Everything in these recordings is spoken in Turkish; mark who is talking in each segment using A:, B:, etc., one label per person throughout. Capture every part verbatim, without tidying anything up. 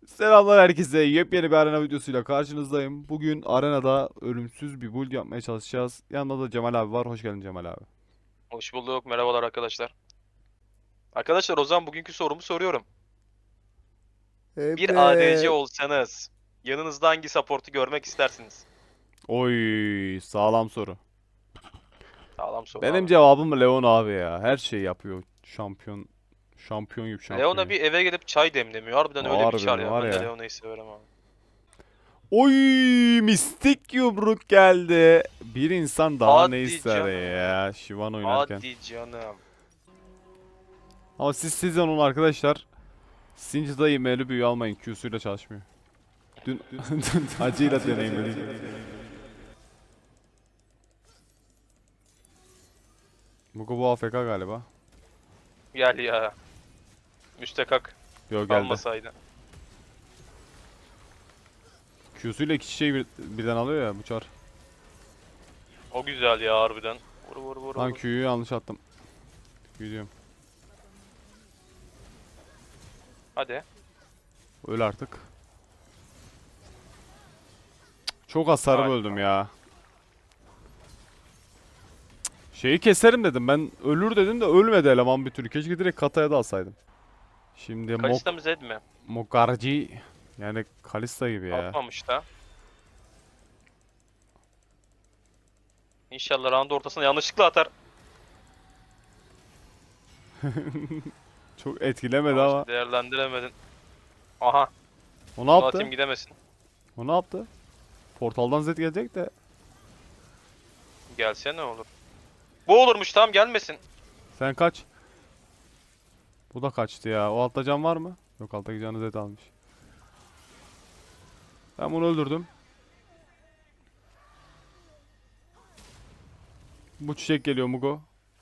A: Selamlar herkese. Yepyeni bir arena videosuyla karşınızdayım. Bugün arenada ölümsüz bir build yapmaya çalışacağız. Yanında da Cemal abi var. Hoş geldin Cemal abi.
B: Hoş bulduk. Merhabalar arkadaşlar. Arkadaşlar o zaman bugünkü sorumu soruyorum. Bir A D C
A: Evet.
B: olsanız yanınızda hangi support'u görmek istersiniz?
A: Oy, sağlam soru.
B: Sağlam soru
A: Benim
B: abi.
A: cevabım Leon abi ya. Her şeyi yapıyor. Şampiyon. Şampiyon gibi şampiyon
B: Leona
A: gibi.
B: bir eve gelip çay demlemiyor. Harbiden öyle bir çar
A: Harbiden
B: ya.
A: var
B: Ben de
A: ya.
B: Leona'yı severim abi.
A: Oy, mistik yumruk geldi. Bir insan daha ne
B: Hadi
A: ister
B: canım.
A: ya Şivan oynarken.
B: Hadi canım.
A: Ama siz siz onun arkadaşlar. Sinci imeli büyü almayın. Q'suyla çalışmıyor. Dün acıyla deneyimledim. Mugo bu A F K galiba.
B: Gel ya. Müstekak
A: Yo geldi.
B: almasaydı.
A: Q'suyla iki çiçeği bir, birden alıyor ya bu çar.
B: O güzel ya harbiden. Vur vur vur
A: Lan
B: vur.
A: Q'yu yanlış attım. Q diyorum.
B: Hadi.
A: Öl artık. Çok hasarı
B: Hadi.
A: böldüm ya. Şeyi keserim dedim. Ben ölür dedim de ölmedi eleman bir türlü. Keşke direkt kataya da alsaydım. Şimdi Mok
B: Kalista mı Zed mi?
A: Mokarji yani Kalista gibi ya.
B: Atmamış da. İnşallah round ortasına yanlışlıkla atar.
A: Çok etkilemedi
B: Ama
A: ama.
B: işte değerlendiremedin. Aha.
A: O ne
B: Bunu
A: yaptı?
B: atayım gidemesin.
A: O ne yaptı? Portaldan Zed gelecek de.
B: Gelse ne olur? Bu olurmuş, tamam gelmesin.
A: Sen kaç. Bu da kaçtı ya. O altta can var mı? Yok, alttaki canı Zed almış. Ben bunu öldürdüm. Bu çiçek geliyor Mugo.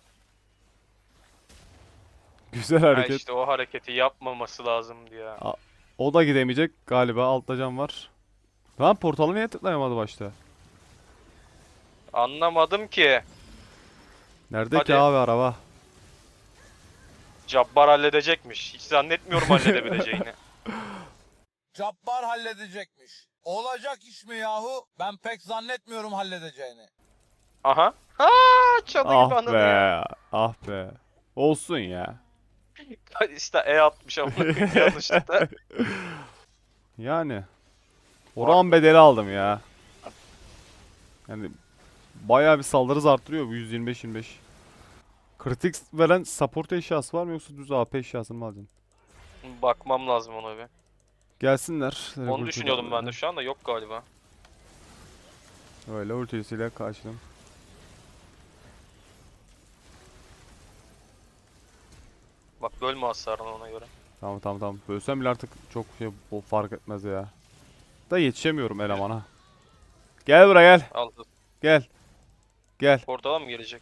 A: Güzel
B: Ha
A: hareket.
B: işte o hareketi yapmaması lazımdı ya.
A: A- O da gidemeyecek galiba. Altta can var. Lan portalı niye tıklayamadı başta?
B: Anlamadım ki.
A: Nerede ki
B: Hadi.
A: abi araba?
B: Cabbar halledecekmiş. Hiç zannetmiyorum halledebileceğini.
C: Cabbar halledecekmiş. Olacak iş mi yahu? Ben pek zannetmiyorum halledeceğini.
B: Aha. Ha, çalı gibi
A: Ah
B: ananı ya.
A: be. Ah be. Olsun ya.
B: İşte E atmış ama yanlışlıkla.
A: Yani. Oran
B: Pardon.
A: bedeli aldım ya. Yani bayağı bir saldırı arttırıyor bu yüz yirmi beş yirmi beş. Kritik veren support eşyası var mı yoksa düz A P eşyasını mı alacaksın?
B: Bakmam lazım ona bir.
A: Gelsinler.
B: Onu düşünüyordum ben de, şu anda yok galiba.
A: Öyle ultisiyle karşıladım.
B: Bak bölme hasarını ona göre.
A: Tamam tamam tamam. Bölsem bile artık çok şey o fark etmez ya. Da yetişemiyorum elemana. Gel buraya gel.
B: Al.
A: Gel. Gel.
B: Portala mı gelecek?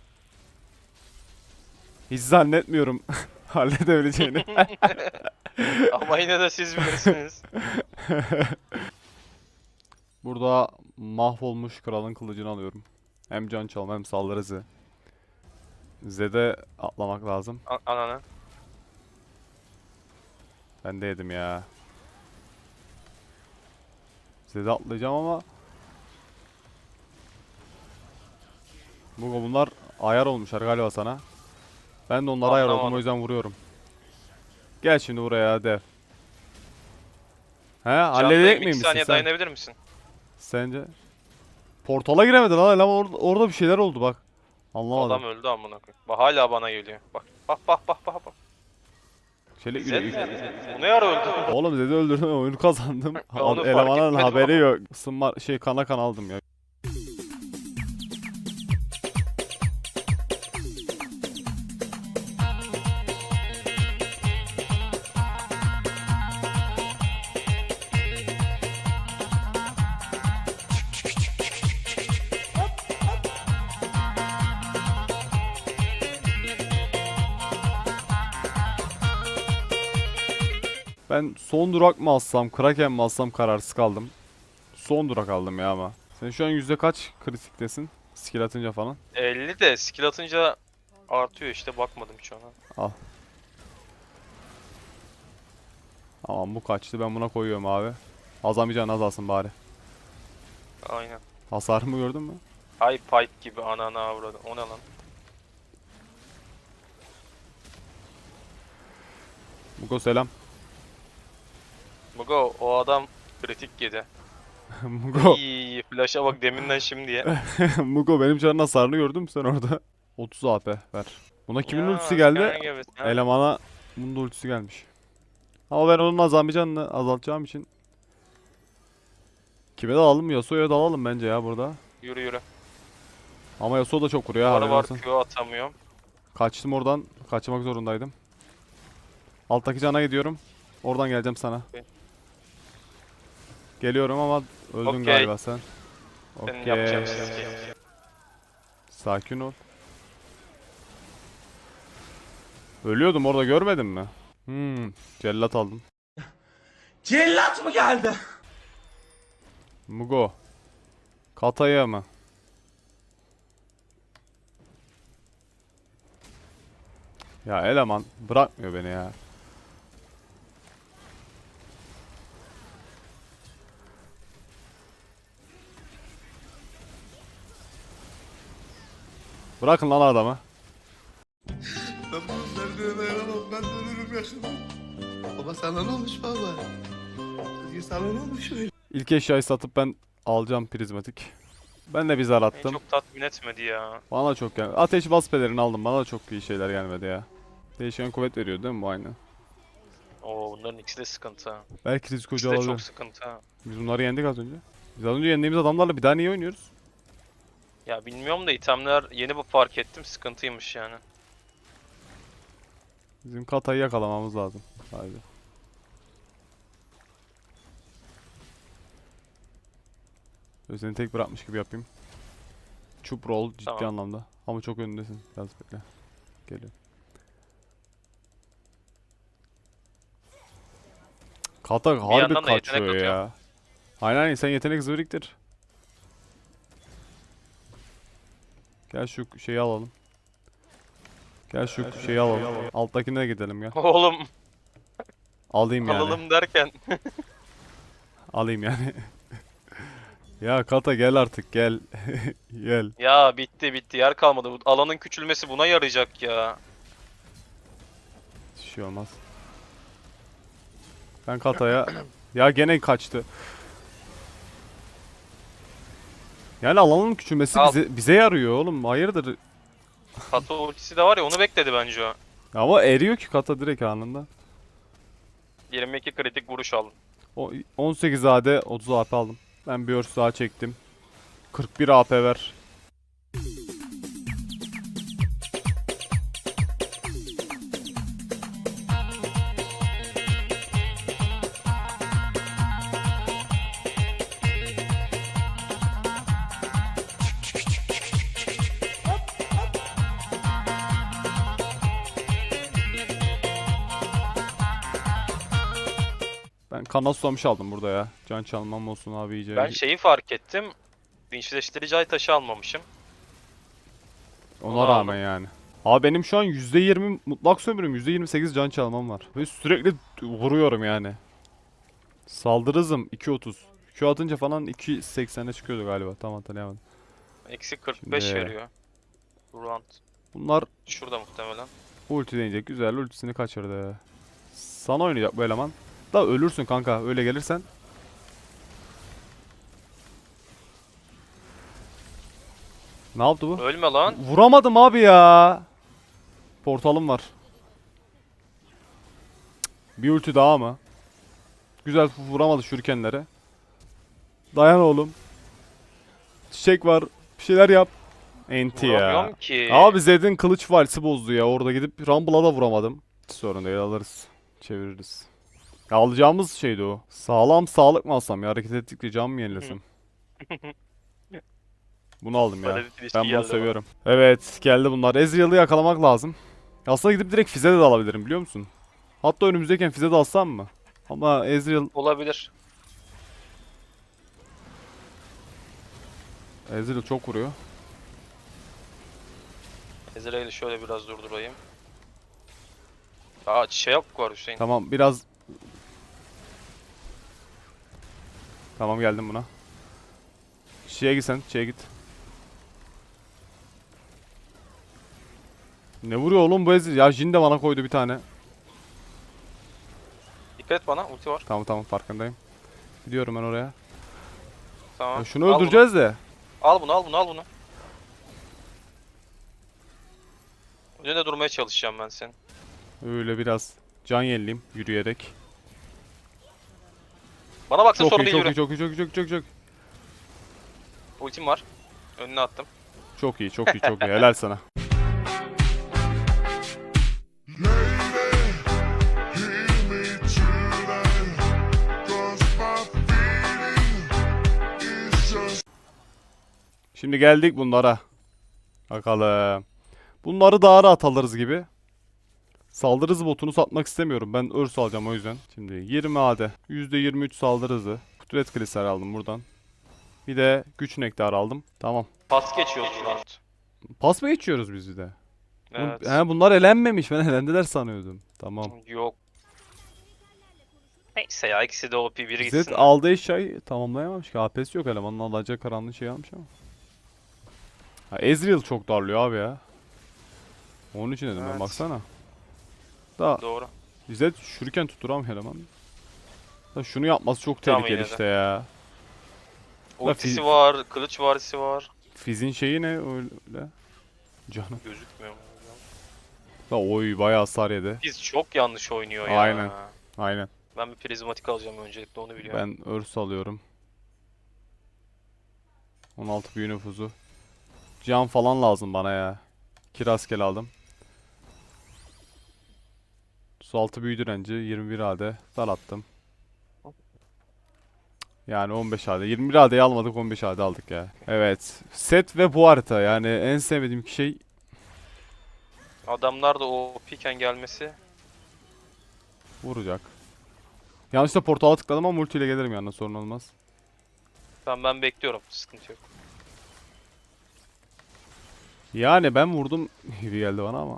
A: Hiç zannetmiyorum halledebileceğini.
B: Ama yine de siz bilirsiniz.
A: Burada mahvolmuş kralın kılıcını alıyorum. Hem can çalma hem saldırı hızı. Zed'e atlamak lazım.
B: A- Ananı.
A: Ben de yedim ya. Zed'e atlayacağım ama bu bunlar ayar olmuşlar galiba sana. Ben de onlara ayar oldum, o
B: Anlamadım.
A: yüzden vuruyorum. Gel şimdi buraya dev. He, halledecek
B: Candayım, iki
A: miymişsin
B: saniye
A: sen?
B: dayanabilir misin?
A: Sence? Portala giremedi lan eleman, orada, orada bir şeyler oldu bak. Anlamadım.
B: Adam öldü amına koyayım. Bak hala bana geliyor. Bak bak bak bak bak. bak.
A: Şöyle
B: Zed
A: yürü.
B: nerede? Bu ne ara öldü?
A: Oğlum Zed'i öldürdüm, oyunu kazandım.
B: Ben onu fark
A: Elemanın
B: etmedim
A: haberi
B: ama.
A: yok. Isınma şey kana kan aldım ya. Ben son durak mı alsam, Kraken mi alsam kararsız kaldım. Son durak aldım ya ama. Sen şu an yüzde kaç kritiktesin? Skill atınca falan.
B: elli de skill atınca artıyor işte, bakmadım hiç ona.
A: Al. Tamam bu kaçtı. Ben buna koyuyorum abi. Azamayacaksın azalsın bari.
B: Aynen.
A: Hasarımı gördün mü?
B: High pipe gibi anana avradı. O ne lan?
A: Mugo selam.
B: Mugo o adam kritik yedi.
A: Mugo.
B: İyi flash'a bak deminden şimdiye.
A: Mugo benim canın hasarını gördün mü sen orada? otuz A P ver. Buna kimin
B: Ya,
A: ultisi geldi?
B: sen gibisin, ha.
A: Elemana bunun da ultisi gelmiş. Ama ben onun azalmayacağını azaltacağım için kime dalalım? Yasuo'ya dalalım bence ya burada.
B: Yürü yürü.
A: Ama Yasuo da çok vuruyor ha.
B: Var
A: haberin
B: var
A: olsun.
B: Q atamıyorum.
A: Kaçtım oradan. Kaçmak zorundaydım. Alttaki cana gidiyorum. Oradan geleceğim sana.
B: Okey.
A: Geliyorum ama öldün
B: Okey.
A: galiba sen.
B: Senin
A: Okey.
B: yapacağın şey.
A: Sakin ol. Ölüyordum orada görmedin mi? Hmm, cellat aldım.
D: Cellat mı geldi?
A: Mugo. Kataya mı? Ya eleman bırakmıyor beni ya. Bırakın lan adamı.
D: Ben bu derdine dayanamam. Ben de ölürüm yaşamam. Baba sana ne olmuş baba? Özgür sana ne olmuş öyle?
A: İlk eşyayı satıp ben alacağım prizmatik. Ben de bir zar
B: Beni
A: attım.
B: çok tatmin etmedi ya.
A: Bana da çok gelmedi. Ateş bas pelerini aldım. Bana da çok iyi şeyler gelmedi ya. Değişken kuvvet veriyor değil mi bu aynı?
B: Oo bunların ikisi de sıkıntı ha.
A: Belki risk
B: İkisi
A: hoca
B: de
A: olabilir.
B: çok sıkıntı ha.
A: Biz bunları yendik az önce. Biz az önce yendiğimiz adamlarla bir daha niye oynuyoruz?
B: Ya bilmiyorum da itemler yeni bu fark ettim sıkıntıymış yani.
A: Bizim Kata'yı yakalamamız lazım. Haydi. Böyle seni tek bırakmış gibi yapayım. Çup roll ciddi
B: Tamam.
A: anlamda. Ama çok önündesin. Biraz bekle. Geliyor. Kata harbi
B: yandan da yetenek
A: kaçıyor
B: atıyor.
A: ya. Aynen aynen sen yetenek hızı biriktir. Gel şu şeyi alalım. Gel şu şeyi alalım. Alttakine gidelim gel.
B: Oğlum
A: Alayım yani.
B: alalım derken.
A: Alayım yani. Ya Kata gel artık gel. Gel.
B: Ya bitti bitti yer kalmadı. Bu alanın küçülmesi buna yarayacak ya.
A: Bir şey olmaz. Ben Kata'ya... Ya gene kaçtı. Yani alanın küçülmesi
B: Al.
A: bize, bize yarıyor oğlum. Hayırdır?
B: Kato ultisi de var ya onu bekledi bence o.
A: Ama eriyor ki Kata direkt anında.
B: yirmi iki kritik vuruş aldım.
A: O on sekiz A D otuz A P aldım. Ben bir örs daha çektim. kırk bir A P ver. Ben kana susamış aldım burada ya. Can çalmam olsun abi iyice.
B: Ben şeyi fark ettim. Dinçleştirici ay taşı almamışım.
A: Ona
B: onu
A: rağmen yani. Abi benim şu an yüzde yirmi mutlak sömürüm, yüzde yirmi sekiz can çalmam var. Ve sürekli vuruyorum yani. Saldırı hızım iki otuz. Q atınca falan iki seksene çıkıyordu galiba. Tam hatırlayamadım.
B: Eksi kırk beş
A: Şimdi-
B: veriyor. Round.
A: Bunlar
B: Şurada muhtemelen.
A: ulti deneyecek. Güzel ultisini kaçırdı. Sana oynayacak bu eleman. Da ölürsün kanka öyle gelirsen. Ne yaptı bu?
B: Ölme lan.
A: Vuramadım abi ya. Portalım var. Bir ulti daha mı? Güzel vuramadı şurikenlere. Dayan oğlum. Çiçek var. Bir şeyler yap. Enti ya.
B: Vuramıyorum ki.
A: Abi Zed'in kılıç valsi bozdu ya. Orada gidip Rumble'a da vuramadım. Hiç sorun değil alırız. Çeviririz. Ya alacağımız şeydi o. Sağlam sağlık mı alsam ya? Hareket ettikçe can mı yenilesem? Bunu aldım ya.
B: Parazit ilişki
A: Ben bunu
B: geldi bana.
A: seviyorum. Evet geldi bunlar. Ezreal'ı yakalamak lazım. Aslında gidip direkt Fizz'e de alabilirim biliyor musun? Hatta önümüzdeyken Fizz'e de alsam mı? Ama Ezreal,
B: Olabilir.
A: Ezreal çok vuruyor.
B: Ezreal'i şöyle biraz durdurayım. Aa şey yap var Hüseyin.
A: Tamam biraz Tamam geldim buna. Şeye git sen. Şeye git. Ne vuruyor oğlum bu Ezreal? Ya Jhin de bana koydu bir tane.
B: Dikkat et bana, ulti var.
A: Tamam tamam farkındayım. Gidiyorum ben oraya.
B: Tamam.
A: Ya şunu
B: Al bunu.
A: öldüreceğiz de.
B: Al bunu, al bunu, al bunu. Önünde durmaya çalışacağım ben senin.
A: Öyle biraz can yenileyim yürüyerek.
B: Bana baksın
A: Çok
B: sorun
A: iyi,
B: değil,
A: çok
B: yürü.
A: iyi, çok iyi, çok iyi, çok iyi, çok iyi.
B: Ultim var. Önüne attım.
A: Çok iyi, çok iyi, çok iyi. Helal sana. Şimdi geldik bunlara. Bakalım. Bunları daha rahat alırız gibi. Saldırı hızı botunu satmak istemiyorum. Ben örs alacağım o yüzden. Şimdi yirmi A D. yüzde yirmi üç saldırı hızı. Kudret kristal aldım buradan. Bir de güç nektarı aldım. Tamam.
B: Pas geçiyoruz round.
A: Pas mı geçiyoruz biz bir de?
B: Evet.
A: Bu- He, bunlar elenmemiş. Ben elendiler sanıyordum. Tamam.
B: Yok. Neyse ya, ikisi de O P, biri
A: Zed
B: gitsin.
A: aldığı eşyayı tamamlayamamış ki. A P'si yok elemanın, alacağı karanlığı şey almış ama. Ha, Ezreal çok darlıyor abi ya. Onun için dedim ben,
B: Evet.
A: baksana. Da
B: Doğru.
A: Zed şuriken tutturamıyor eleman. Da şunu yapması çok
B: Tamam,
A: tehlikeli
B: yine de.
A: işte ya.
B: Ultisi
A: fi-
B: var, kılıç varisi var.
A: Fizz'in şeyi ne öyle? Canım.
B: Gözükmüyor mu?
A: Da oy bayağı hasar yedi.
B: Biz çok yanlış oynuyor ya.
A: Aynen. Aynen.
B: Ben bir prizmatik alacağım öncelikle, onu biliyorum.
A: Ben örs alıyorum. on altı büyü nüfuzu. Can falan lazım bana ya. Kiraskel aldım. Su altı büyü direnci yirmi bir A D. Zar attım. Yani on beş A D. yirmi bir A D'yi almadık, on beş A D aldık ya. Evet. Set ve bu harita. Yani en sevmediğim iki şey.
B: Adamlar da o piken gelmesi.
A: Vuracak. Yanlışlıkla portala tıkladım ama multiyle gelirim yanına, sorun olmaz.
B: Tamam, ben bekliyorum, sıkıntı yok.
A: Yani ben vurdum gibi geldi bana ama.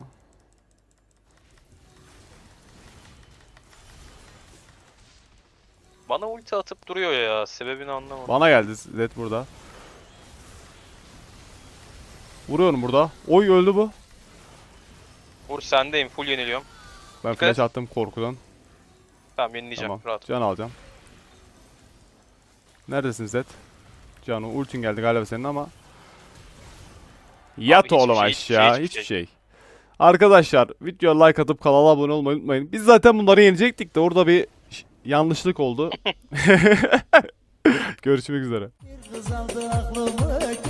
B: Bana ulti atıp duruyor ya, sebebini anlamadım.
A: Bana geldi Zed burada. Vuruyorum burada. Oy öldü bu.
B: Vur, sendeyim, full yeniliyorum.
A: Ben
B: Dikkat
A: flash
B: et.
A: attım korkudan.
B: Tamam, yenileyeceğim,
A: Tamam.
B: rahat.
A: Can alacağım. Neredesin Zed? Cano ultin geldi galiba senin ama. Yat
B: hiçbir
A: oğlum
B: şey, hiçbir şey,
A: aşağı.
B: hiçbir
A: Hiçbir
B: şey.
A: şey. Arkadaşlar videoya like atıp kanala abone olmayı unutmayın. Biz zaten bunları yenecektik de orada bir ş- yanlışlık oldu. Görüşmek üzere.
E: Bir kız aldı aklımı